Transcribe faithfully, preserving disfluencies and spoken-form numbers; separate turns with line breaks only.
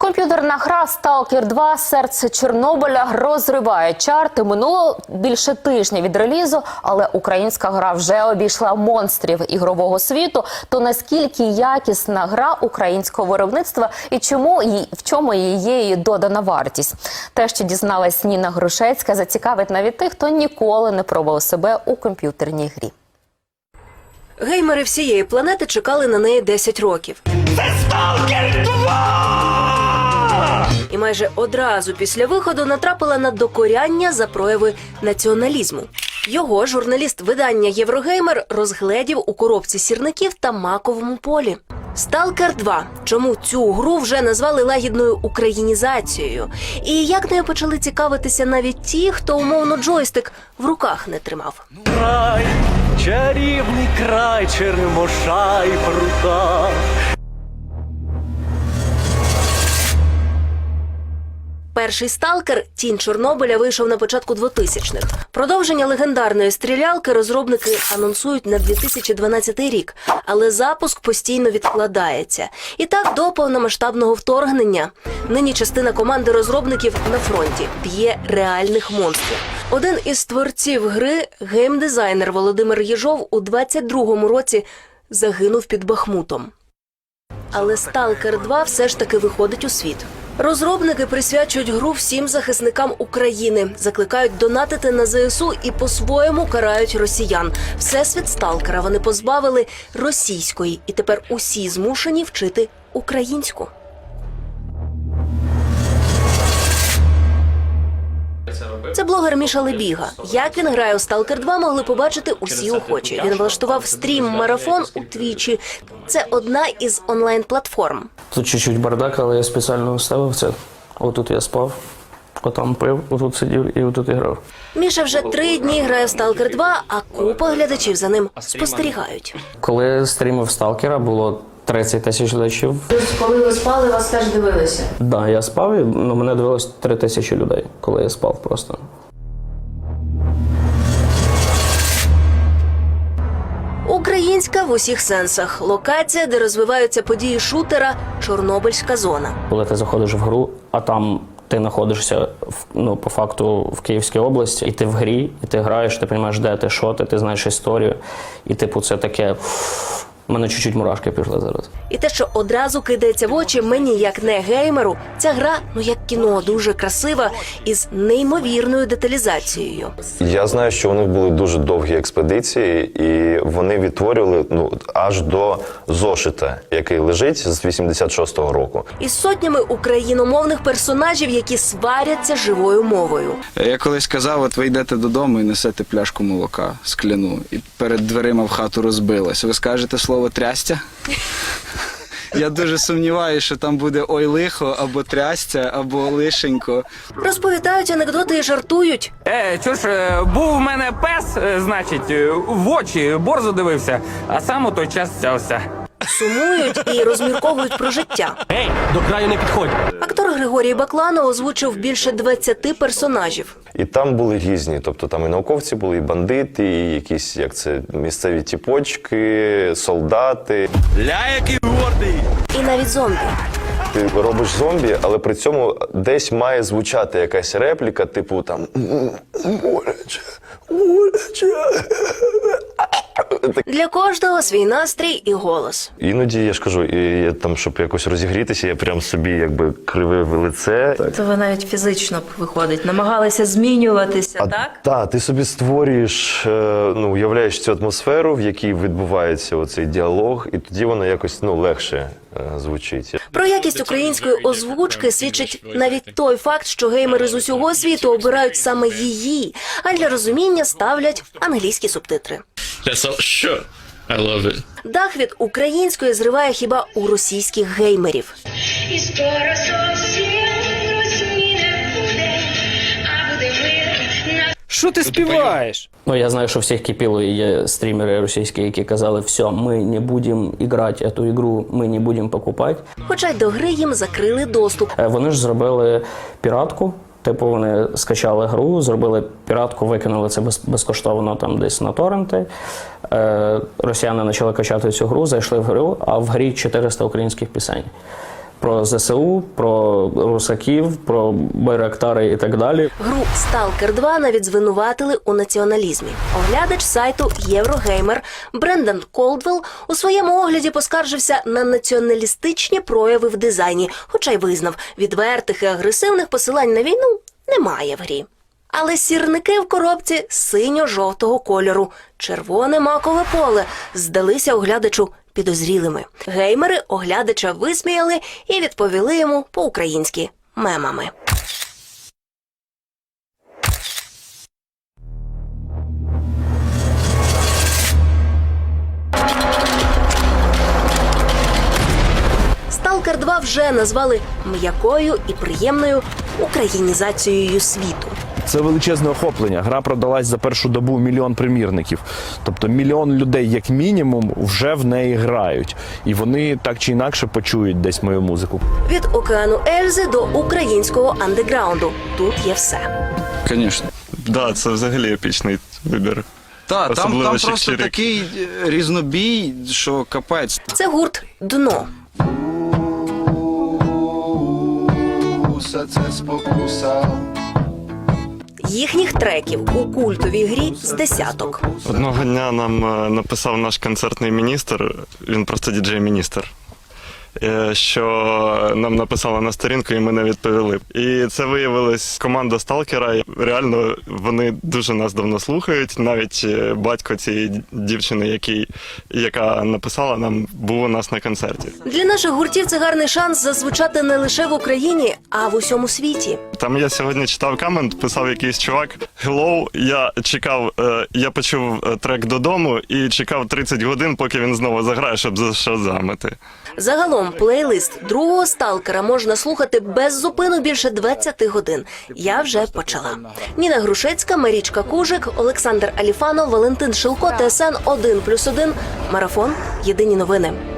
Комп'ютерна гра «Сталкер два. Серце Чорнобиля» розриває чарти. Минуло більше тижня від релізу, але українська гра вже обійшла монстрів ігрового світу. То наскільки якісна гра українського виробництва і чому її, в чому є її додана вартість? Те, що дізналась Ніна Грушецька, зацікавить навіть тих, хто ніколи не пробував себе у комп'ютерній грі.
Геймери всієї планети чекали на неї десять років.
Це «Сталкер два!»
І майже одразу після виходу натрапила на докоряння за прояви націоналізму. Його журналіст видання «Єврогеймер» розгледів у коробці сірників та маковому полі. «Сталкер два». Чому цю гру вже назвали лагідною українізацією? І як нею почали цікавитися навіть ті, хто умовно джойстик в руках не тримав?
Край, чарівний край, черемоша і прута.
Перший «Сталкер» «Тінь Чорнобиля» вийшов на початку двотисячних. Продовження легендарної стрілялки розробники анонсують на дві тисячі дванадцятий рік, але запуск постійно відкладається. І так до повномасштабного вторгнення. Нині частина команди розробників на фронті б'є реальних монстрів. Один із творців гри, геймдизайнер Володимир Єжов, у двадцять другому році загинув під Бахмутом. Але «Сталкер два» все ж таки виходить у світ. Розробники присвячують гру всім захисникам України, закликають донатити на зе ес у і по-своєму карають росіян. Всесвіт «Сталкера» вони позбавили російської, і тепер усі змушені вчити українську. Це блогер Міша Лебіга. Як він грає у «Сталкер два» могли побачити усі охочі. Він влаштував стрім-марафон у Твічі. Це одна із онлайн-платформ.
Тут чуть-чуть бардак, але я спеціально ставив це. Отут я спав, отам пив, отут сидів і отут і грав.
Міша вже три дні грає в «Сталкер два», а купа глядачів за ним спостерігають.
Коли я стрімив «Сталкера», було тридцять тисяч глядачів.
Коли ви спали, вас теж дивилися?
Так, да, я спав, і ну, мене дивилось три тисячі людей, коли я спав просто.
Українська в усіх сенсах. Локація, де розвиваються події шутера – Чорнобильська зона.
Коли ти заходиш в гру, а там ти знаходишся ну, по факту в Київській області, і ти в грі, і ти граєш, ти розумієш, де ти, що ти, ти знаєш історію. І типу це таке... У мене чуть-чуть мурашки пішли зараз.
І те, що одразу кидається в очі мені, як не геймеру, ця гра, ну як кіно, дуже красива, із неймовірною деталізацією.
Я знаю, що у них були дуже довгі експедиції, і вони відтворювали ну, аж до зошита, який лежить з вісімдесят шостого року.
Із сотнями україномовних персонажів, які сваряться живою мовою.
Я колись казав, от ви йдете додому і несете пляшку молока скляну, і перед дверима в хату розбилась. Ви скажете слово «трястя»? Я дуже сумніваюся, що там буде «ой лихо», або «трястя», або «лишенько».
Розповідають анекдоти і жартують.
Е, чуж, був у мене пес, значить, в очі борзо дивився, а сам у той час цявся.
Сумують і розмірковують про життя.
Ей, до краю не підходь!
Актор Григорій Бакланов озвучив більше двадцяти персонажів.
І там були різні, тобто там і науковці були, і бандити, і якісь, як це, місцеві тіпочки, солдати.
Ля, який гордий!
І навіть зомбі.
Ти робиш зомбі, але при цьому десь має звучати якась репліка, типу там «Боляче, боляче».
Для кожного свій настрій і голос.
Іноді, я ж кажу, і я там, щоб якось розігрітися, я прям собі якби кривив лице.
То ви навіть фізично, виходить, намагалися змінюватися,
А,
так?
Так, ти собі створюєш, е, ну, уявляєш цю атмосферу, в якій відбувається оцей діалог, і тоді воно якось ну, легше е, звучить.
Про якість української озвучки свідчить навіть той факт, що геймери з усього світу обирають саме її, а для розуміння ставлять англійські субтитри.
That's all. Sure. I love it.
Дах від української зриває хіба у російських геймерів.
І скоро зовсім Росії не буде, а буде мир на...
Що ти співаєш?
Ну, я знаю, що всіх кипіло, і є стрімери російські, які казали, все, ми не будемо грати цю ігру, ми не будемо покупати.
Хоча й до гри їм закрили доступ.
Вони ж зробили піратку. Типу вони скачали гру, зробили піратку, викинули це без, безкоштовно там десь на торренти. Е, росіяни почали качати цю гру, зайшли в гру, а в грі чотириста українських пісень. про зе се у, про русаків, про байрактари і так далі.
Гру «Сталкер два» навіть звинуватили у націоналізмі. Оглядач сайту Єврогеймер Брендан Колдвелл у своєму огляді поскаржився на націоналістичні прояви в дизайні, хоча й визнав, відвертих і агресивних посилань на війну немає в грі. Але сірники в коробці синьо-жовтого кольору, червоне макове поле, здалися оглядачу підозрілими. Геймери оглядача висміяли і відповіли йому по-українськи мемами. «Сталкер два» вже назвали м'якою і приємною українізацією світу.
Це величезне охоплення. Гра продалась за першу добу мільйон примірників. Тобто мільйон людей, як мінімум, вже в неї грають. І вони так чи інакше почують десь мою музику.
Від океану Ельзи до українського андеграунду. Тут є все.
Звісно.
Да, це взагалі епічний вибір.
Так, там,
Особливо
там просто
Чик-Чирик.
такий е, різнобій, що капець.
Це гурт «Дно».
Усе це спокуса.
Їхніх треків у культовій грі з десяток.
Одного дня нам е, написав наш концертний міністр, він просто діджей-міністр, е, що нам написали на сторінку, і ми не відповіли. І це виявилась команда «Сталкера». Реально, вони дуже нас давно слухають. Навіть е, батько цієї дівчини, який, яка написала нам, був у нас на концерті.
Для наших гуртів це гарний шанс зазвучати не лише в Україні, а в усьому світі.
Там я сьогодні читав комент, писав якийсь чувак: «Hello, я чекав, е, я почув е, трек додому і чекав тридцять годин, поки він знову заграє, щоб зашазамити».
Загалом плейлист другого «Сталкера» можна слухати без зупину більше двадцяти годин. Я вже почала. Ніна Грушецька, Марічка Кужик, Олександр Аліфанов, Валентин Шилко, Т С Н один плюс один. Марафон. Єдині новини.